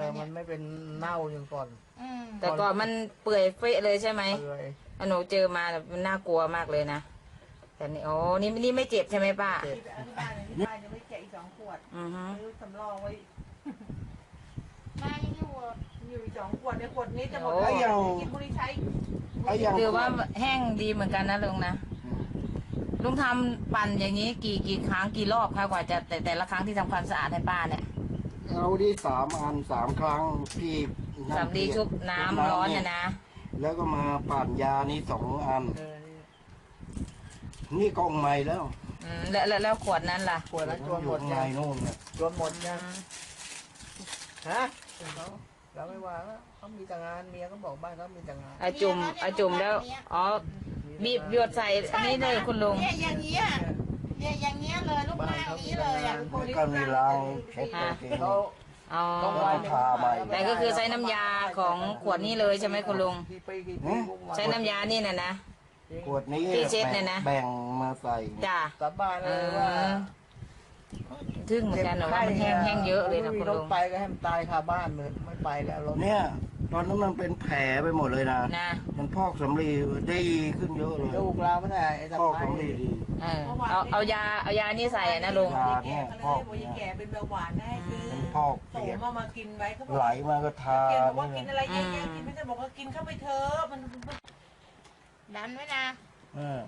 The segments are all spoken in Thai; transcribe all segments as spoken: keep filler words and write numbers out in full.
มันไม่เป็นเน่าอย่างก่อนแต่ก่อนมันเปื่อยเฟะเลยใช่ไหมเปื่อยอันหนูเจอมามันน่ากลัวมากเลยนะแต่นี่โอ้นี่นี่ไม่เจ็บใช่ไหมป้าเจ็บที่บ้านที่บ้านยังไม่แกะอีกสองขวดอือฮึซื้อสำรองไว้มายังอยู่อยู่อีกสองขวดในขวดนี้จะหมดแล้วกินบุหรี่ใช้ถือว่าแห้งดีเหมือนกันนะลุงนะลุงทำปั่นอย่างนี้กี่กี่ครั้งกี่รอบคะกว่าจะแต่แต่ละครั้งที่ทำความสะอาดให้ป้าเนี่ยเราดีสามอันสามครั้งที่สำลีชุบน้ำร้อนเนี่ยนะแล้วก็มาปั่นยานี่สองอันนี่กองใหม่แล้วอืมแล้วแล้วแล้วขวดนั้นล่ะขวดนั้นจวนหมดไงยังนู่นเนี่ยจวนหมดยังฮะเขาเราไม่ว่าเขามีแต่งานเมียก็บอกบ้านเขามีแต่งานไอจุ่มไอจุ่มแล้วอ๋อบีบหยดใส่อันนี้เลยคุณลุงเนี่ยอย่างเงี้ยเนี่ยอย่างเงี้ยเลยลูกหน้านี้เลยอ่ะก็มีล้างเช็ดตัวเองเขาอ๋อต้องไว้ทาใหม่แต่ก็คือใช้น้ำยาของขวดนี้เลยใช่ไหมคุณลุงกี่ปีกี่ปีพวกมัใช้น้ำยานี่น่ะนะขวดนี้ที่เช็ดเนี่ยนะแบ่งมาใส่จ้าสาบานเลยว่าทึ่งเหมือนกันเหรอว่ามันแห้งแห้งเยอะเลยนะคุณรลุถงไปก็ให้มันตายคาบ้านเลยไม่ไปแล้วรถเนี่ยตอนนั้นมันเป็นแผลไปหมดเลยนะนะมันพอกสำลีได้ขึ้นเยอะเลยลูกเราไม่ได้ไอ้ตะพอกไคร้สำลีดีเออเอาเอายาเอายานี่ใส่นะลุงยาเนี่ยพอกโอ้ยแก่เป็นเบาหวานได้คือเป็นพอกโตเปียกมามากินไว้เขาบอกไหลมาก็ทาเกียบอกว่านี่กินนะอะไรเยอะๆกินไม่ได้บอกว่ากินเข้าไปเถอะมันดันไว้นะเออ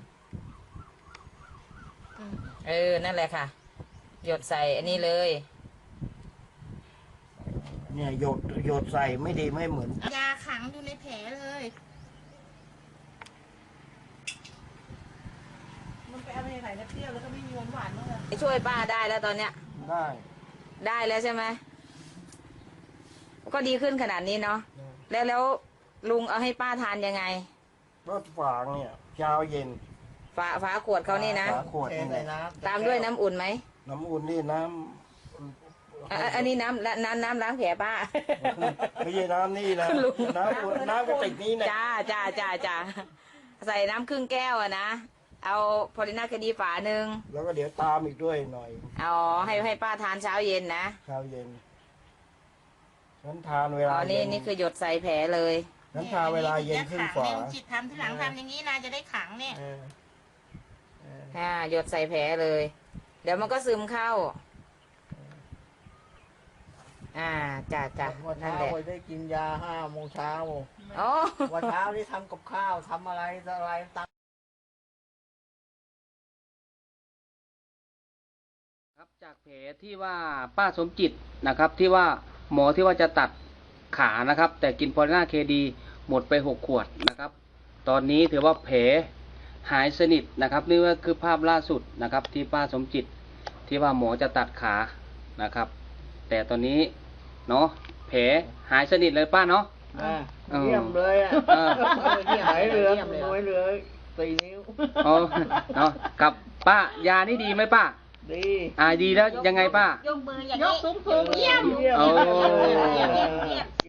เออนั่นแหละค่ะ หยดใส่อันนี้เลยเนี่ยหยดหยดใส่ไม่ดีไม่เหมือนยาขังอยู่ในแผลเลย มันไปเอาไปไหนนะเปรี้ยวแล้วก็ไม่มีหวานหวานบ้างเลยช่วยป้าได้แล้วตอนเนี้ยได้ได้แล้วใช่ไหมก็ดีขึ้นขนาดนี้เนาะแล้วแล้วลุงเอาให้ป้าทานยังไงรถฝางเนี่ยเช้าเย็นฝาฝาขวดเขานี่นะฝาขวดเทนี่ใส่นะน้ำตามด้วยน้ำอุ่นไหมน้ำอุ่นนี่น้อ่ะอ่ะอันนี้น้ำละน้ำน้ำล้างแผลป้าำไม่ใช่น้ำนี่นะลุงน้ำอุ่นน้ำกระติกนี้นะจ้าจ้าจ้าจ้าใส่น้ำครึ่งแก้วอะนะเอาพอลิน่าคดีฝาหนึ่งแล้วก็เดี๋ยวตามอีกด้วยหน่อยเอาให้ให้ป้าทานเช้าเย็นนะเช้าเย็นฉันทานเวอ๋ลาอนี่เย็นนี่คือหยดใส่แผลเลยฉันทานเวลาเย็นขึ้นฝาจิตทำที่หลังทำอย่างนี้นะจะได้ขังเนี่ยเออเอออ่าหยดใส่แผลเลย เดี๋ยวมันก็ซึมเข้า อ่าจ้าจ้าวันนั่นเช้าแหละไปได้กินยาห้าโมงเช้าอ๋อวันเช้านี่ทำกับข้าวทำอะไรอะไรตามครับจากแผลที่ว่าป้าสมจิตนะครับที่ว่าหมอที่ว่าจะตัดขานะครับ แต่กินพอลิน่าเคดีหมดไปหกขวดนะครับ ตอนนี้ถือว่าแผลหายสนิทนะครับนี่ก็คือภาพล่าสุดนะครับที่ป้าสมจิตที่ว่าหมอจะตัดขานะครับ แต่ตอนนี้เนาะแผลหายสนิทเลยป้าเนาะอ่าเออเยี่ยมเลยอ่ะเออที่หายเหลือน้อยเหลือสี่นิ้วอ๋อเนาะกับป้ายานี่ดีไหมป้าดีอ่าดีแล้วยังไงป้ายกมืออย่างนี้ยกสูงสูงเยี่ยมเยี่ยมโอ้เยี่ยมเยี่ยม